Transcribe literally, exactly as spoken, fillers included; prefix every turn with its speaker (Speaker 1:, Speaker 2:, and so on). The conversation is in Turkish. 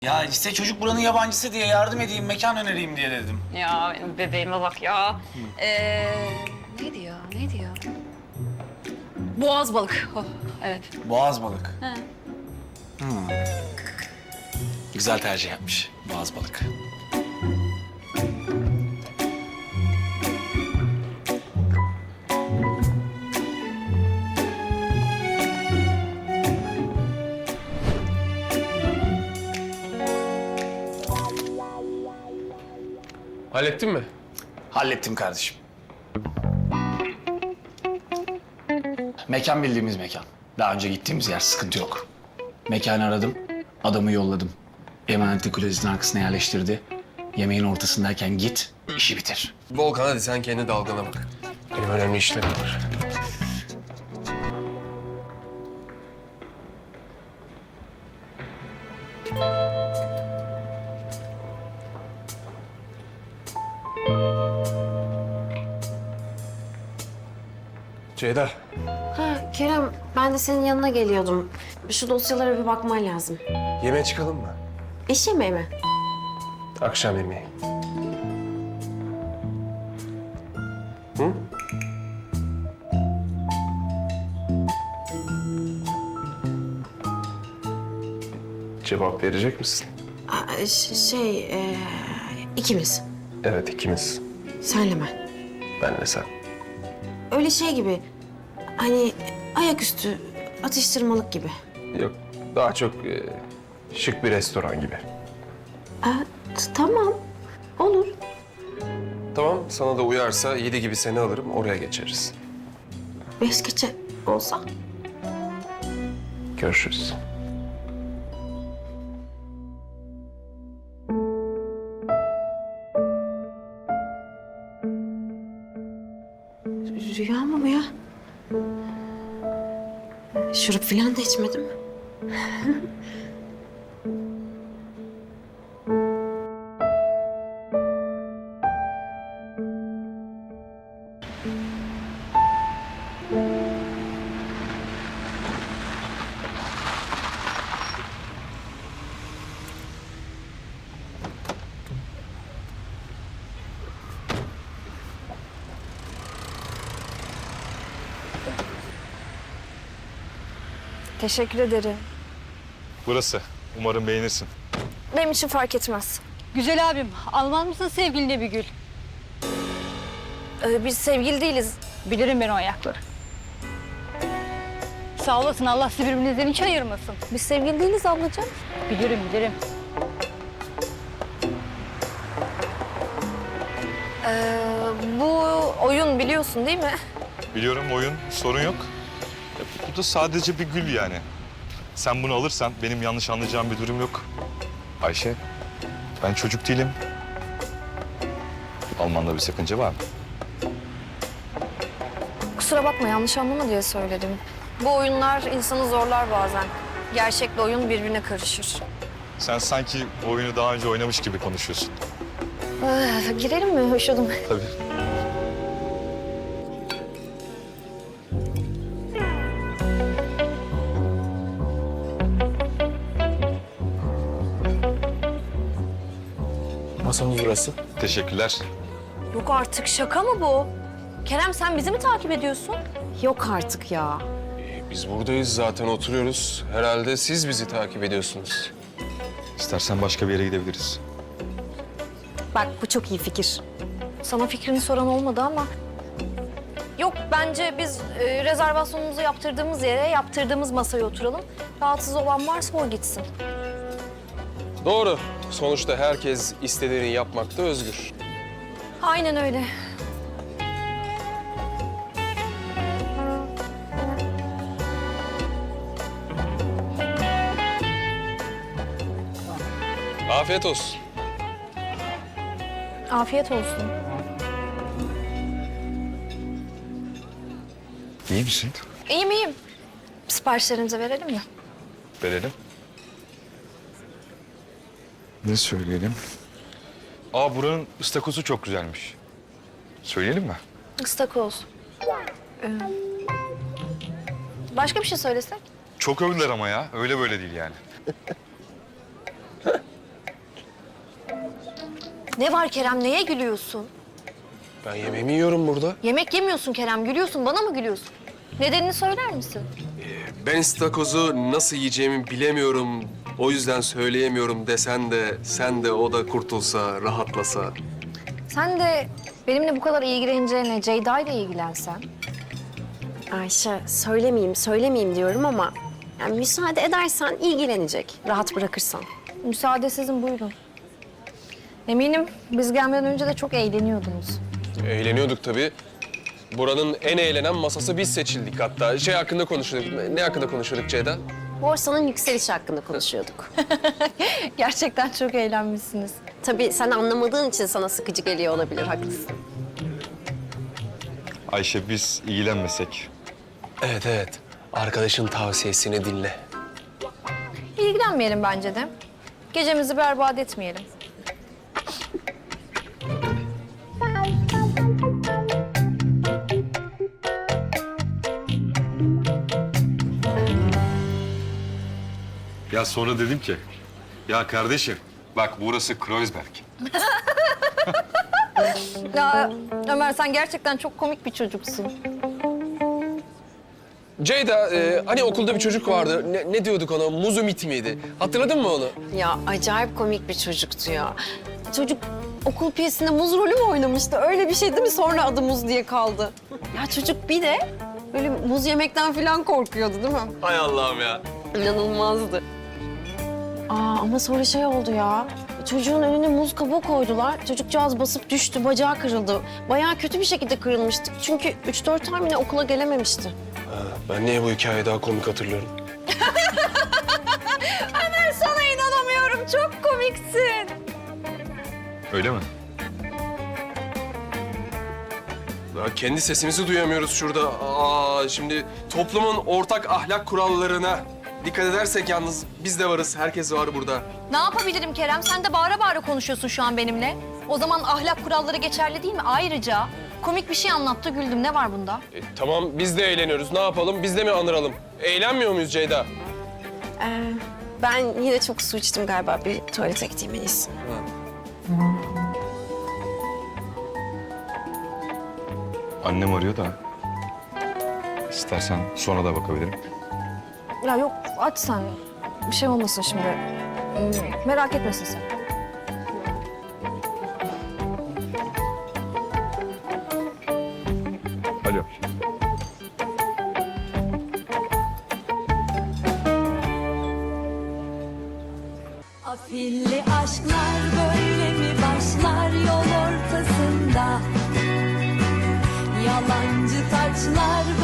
Speaker 1: Ya işte çocuk buranın yabancısı diye yardım edeyim, mekan önereyim diye dedim.
Speaker 2: Ya benim bebeğime bak ya. Ee, neydi ya, neydi ya? Boğaz balık. Oh, evet.
Speaker 1: Boğaz balık.
Speaker 2: He.
Speaker 1: Hmm. Güzel tercih yapmış, boğaz balık.
Speaker 3: Hallettin mi?
Speaker 1: Hallettim kardeşim. Mekan bildiğimiz mekan. Daha önce gittiğimiz yer, sıkıntı yok. Mekanı aradım, adamı yolladım. Emanetli klozetin arkasına yerleştirdi. Yemeğin ortasındayken git, işi bitir.
Speaker 3: Volkan hadi sen kendi dalgana bak. Benim önemli işlerim var. Ceyda.
Speaker 4: Ha Kerem, ben de senin yanına geliyordum. Şu dosyalara bir bakman lazım.
Speaker 3: Yemeğe çıkalım mı?
Speaker 4: İş yemeği mi?
Speaker 3: Akşam yemeği. Hı? Cevap verecek misin?
Speaker 4: Aa, ş- şey, ee, ikimiz.
Speaker 3: Evet, ikimiz.
Speaker 4: Senle ben.
Speaker 3: Benle sen.
Speaker 4: Öyle şey gibi. Hani ayaküstü atıştırmalık gibi.
Speaker 3: Yok, daha çok e, şık bir restoran gibi.
Speaker 4: Aa, t- tamam. Olur.
Speaker 3: Tamam, sana da uyarsa yedi gibi seni alırım, oraya geçeriz.
Speaker 4: Beş geçe olsa.
Speaker 3: Görüşürüz.
Speaker 4: Rüya mı bu ya? Şurup falan da içmedim.
Speaker 5: Teşekkür ederim.
Speaker 6: Burası. Umarım beğenirsin.
Speaker 5: Benim için fark etmez.
Speaker 2: Güzel abim, almaz mısın sevgiline bir gül?
Speaker 5: Ee, biz sevgili değiliz.
Speaker 2: Bilirim ben o ayakları. Sağ olasın, Allah sizi birbirinizden hiç ayırmasın.
Speaker 5: Biz sevgili değiliz ablacığım.
Speaker 2: Bilirim, bilirim.
Speaker 5: Ee, bu oyun biliyorsun değil mi?
Speaker 6: Biliyorum oyun, sorun yok. Ya, bu da sadece bir gül yani. Sen bunu alırsan benim yanlış anlayacağım bir durum yok. Ayşe, ben çocuk değilim. Almanda bir sakınca var mı?
Speaker 5: Kusura bakma yanlış anlama diye söyledim. Bu oyunlar insanı zorlar bazen. Gerçekle oyun birbirine karışır.
Speaker 6: Sen sanki bu oyunu daha önce oynamış gibi konuşuyorsun.
Speaker 5: Ee, girelim mi? Hoşladım.
Speaker 6: Tabii.
Speaker 3: Masamız burası.
Speaker 6: Teşekkürler.
Speaker 5: Yok artık şaka mı bu? Kerem sen bizi mi takip ediyorsun?
Speaker 4: Yok artık ya.
Speaker 3: Biz buradayız zaten oturuyoruz. Herhalde siz bizi takip ediyorsunuz.
Speaker 6: İstersen başka bir yere gidebiliriz.
Speaker 4: Bak bu çok iyi fikir.
Speaker 5: Sana fikrini soran olmadı ama... Yok bence biz e, rezervasyonumuzu yaptırdığımız yere, yaptırdığımız masaya oturalım. Rahatsız olan varsa o gitsin.
Speaker 3: Doğru. Sonuçta herkes istediğini yapmakta özgür.
Speaker 5: Aynen öyle.
Speaker 3: Afiyet olsun.
Speaker 5: Afiyet olsun.
Speaker 6: İyi misin?
Speaker 5: İyiyim iyiyim. Siparişlerimizi verelim mi?
Speaker 6: Verelim. Ne söyleyelim? Aa, buranın ıstakozu çok güzelmiş. Söyleyelim mi?
Speaker 5: Istakoz. Ee, başka bir şey söylesek?
Speaker 6: Çok övdüler ama ya. Öyle böyle değil yani.
Speaker 5: Ne var Kerem, neye gülüyorsun?
Speaker 3: Ben yemeğimi yiyorum burada.
Speaker 5: Yemek yemiyorsun Kerem, gülüyorsun. Bana mı gülüyorsun? Nedenini söyler misin?
Speaker 3: Ben istakozu nasıl yiyeceğimi bilemiyorum. O yüzden söyleyemiyorum desen de sen de o da kurtulsa, rahatlasa.
Speaker 5: Sen de benimle bu kadar ilgileneceğine Ceyda ile ilgilensen.
Speaker 4: Ayşe söylemeyeyim söylemeyeyim diyorum ama yani müsaade edersen ilgilenecek. Rahat bırakırsan.
Speaker 5: Müsaade sizin, buyurun. Eminim biz gelmeden önce de çok eğleniyordunuz.
Speaker 3: Eğleniyorduk tabii. Buranın en eğlenen masası biz seçildik hatta. Şey hakkında konuşuyorduk. Ne hakkında konuşuyorduk Ceyda?
Speaker 4: Borsanın yükselişi hakkında konuşuyorduk.
Speaker 5: Gerçekten çok eğlenmişsiniz.
Speaker 4: Tabii sen anlamadığın için sana sıkıcı geliyor olabilir, haklısın.
Speaker 6: Ayşe biz ilgilenmesek.
Speaker 3: Evet evet. Arkadaşın tavsiyesini dinle.
Speaker 5: İlgilenmeyelim bence de. Gecemizi berbat etmeyelim.
Speaker 6: Ya sonra dedim ki, ya kardeşim bak burası Kreuzberg.
Speaker 5: Ya Ömer, sen gerçekten çok komik bir çocuksun.
Speaker 3: Ceyda, e, hani okulda bir çocuk vardı. Ne, ne diyorduk ona? Muzumit miydi? Hatırladın mı onu?
Speaker 4: Ya acayip komik bir çocuktu ya. Çocuk okul piyesinde muz rolü mü oynamıştı? Öyle bir şey değil mi? Sonra adı Muz diye kaldı. Ya çocuk bir de böyle muz yemekten falan korkuyordu değil mi?
Speaker 3: Hay Allah'ım ya.
Speaker 4: İnanılmazdı. Aa ama sonra şey oldu ya. Çocuğun önüne muz kabuğu koydular. Çocukcağız basıp düştü, bacağı kırıldı. Bayağı kötü bir şekilde kırılmıştı. Çünkü üç dört ay mı ne okula gelememişti.
Speaker 3: Ben niye bu hikayeyi daha komik hatırlıyorum?
Speaker 5: Ömer, sana inanamıyorum. Çok komiksin.
Speaker 6: Öyle mi?
Speaker 3: Ya kendi sesimizi duyamıyoruz şurada. Aa, şimdi toplumun ortak ahlak kurallarına dikkat edersek yalnız biz de varız. Herkes var burada.
Speaker 5: Ne yapabilirim Kerem? Sen de bağıra bağıra konuşuyorsun şu an benimle. O zaman ahlak kuralları geçerli değil mi? Ayrıca komik bir şey anlattı, güldüm. Ne var bunda?
Speaker 3: E, tamam biz de eğleniyoruz. Ne yapalım? Biz de mi anıralım? Eğlenmiyor muyuz Ceyda?
Speaker 4: Ee, ben yine çok su içtim galiba. Bir tuvalete gideyim en iyisi.
Speaker 6: Annem arıyor da. İstersen sonra da bakabilirim.
Speaker 5: Ya yok, aç sen. Bir şey olmasın şimdi. Hmm, Merak etmesin sen.
Speaker 6: Alo.
Speaker 7: Afilli aşklar böyle mi başlar yol ortasında? Yalancı taçlar